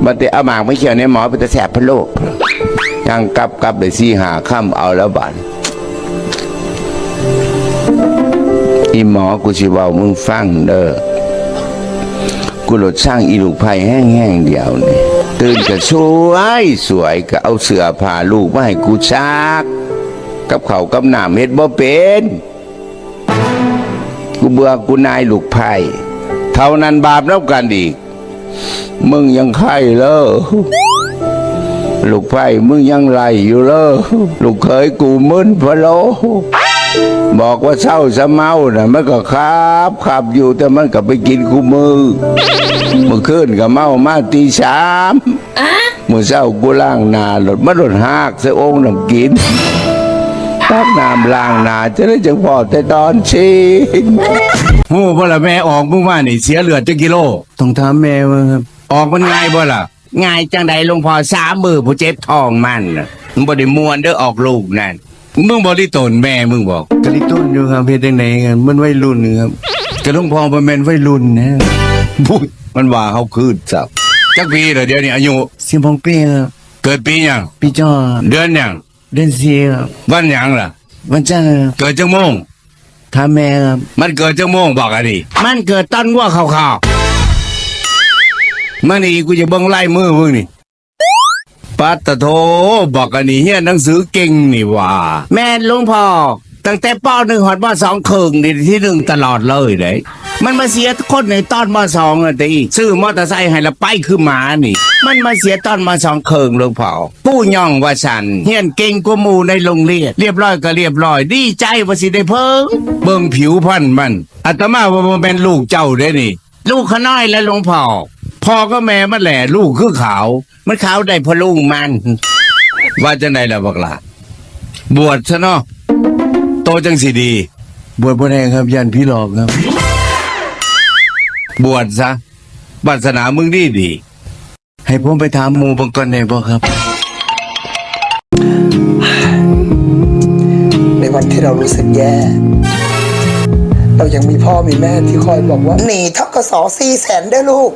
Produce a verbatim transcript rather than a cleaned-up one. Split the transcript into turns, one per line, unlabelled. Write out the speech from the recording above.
บัดเตเอาหมากไม่เขียวในหมอเป็นตะแสบพะโลกยังกลับกลับเลยสี่หาค่ำเอาแล้วบาดอีหมอกูสิเว้ามึงฟังเด้อกูหลดสร้างอีลูกไผ่แห้งๆเดียวนี่ตื่นก็สวยสวยก็เอาเสื้อผ้าลูกมาให้กูซักกับเขาวกับน้ำเฮ็ดบ่เป็นกูเบื่อกูนายลูกไผ่เท่านั้นบาปแล้วกันอีกมึงยังไข่เลยลูกไผ่มึงยังไหลอยู่เลยลูกเคยกูมึนพะโลบอกว่าเศร้าสะเมาน่ะมันก็ครับขับอยู่แต่มันก็ไปกินคู่มือเมื่อคืนก็เมามาตีสามเมื่อเช้ากูล้างหน้าหลดมาหลดหักใส่โอ่งน้ำกินตักน้ำล้างหน้าจะได้จังพอแต่ตอนชิน
โอ้บ่ละแม่ออกมึงว่านี่เสียเลือดจักกิโล
ต้องถามแม่ว่าครับ
ออกมันง่ายบ่ล่ะ
ง่ายจังใดหลวงพ่อสามมือผู้เจ็บท้องมันน่ะมันบ่ได้มวนเด้อออกลูกนั่น
มึงบ่ได้ตนแม่มึงบอก
กะลิต้นอยู่ครับเฮ็ดจังไดกันมันวัยรุ่นครับ
กะหลวงพ่อบ่แม่นวัยรุ่นนะ
บุ้ยมันว่าเฮาคืนซับ
จักปีเหรอเดี๋ยวนี้อายุ
สิบหกปีครับ
เกิดปีหยัง
ปีจอ
เดือนหยัง
เดือนสี่ครับ
วันหยังล่ะ
วันจันทร์
เกิดจังโมง
ถามแม่ครับ
มันเกิดจังโมงบอกอ่ะดิ
มันเกิดตอนวัวขาว
ๆมันนี่กูจะเบิ่งลายมือมึงนี่ปัตตะโธบอกอันนี้เฮียนหนังสือเก่งนี่ว่า
แม่หลวงพ่อตั้งแต่ป.หนึ่งฮอดม.สองครึ่งนี่ที่หนึ่งตลอดเลยเด้มันมาเสียคนในตอนม.สองอ่ะติซื้อมอเตอร์ไซค์ให้ละไปคือหมานี่มันมาเสียตอนม.สองครึ่งหลวงพ่อปู่ย่องว่าซั่นเฮียนเก่งกว่าหมู่ในโรงเรียนเรียบร้อยก็เรียบร้อยดีใจว่าสิได้เพิ่ง
เบิ่งผิวพรรณมันอาตมาว่าบ่แม่นลูกเจ้าเด้นี่
ลูกขน้อยและหลวงพ่อ
พ่อก็แม่มันแหละลูกคือขาว
มันขาวได้พลุงมัน
ว่าจังไดล่ะบักล่ะบวชซะเนาะโตจังสิดี
บวชบ่ได้ครับยันพี่หลอกครับ
บวชซะศาสนามึงดีดี
ให้ผมไปถามหมู่บางคนได้บ่ครับ
ในวันที่เรารู้สึกแย่เรายังมีพ่อมีแม่ที่คอยบอกว่าหนีทกสสี่แสนได้ลูก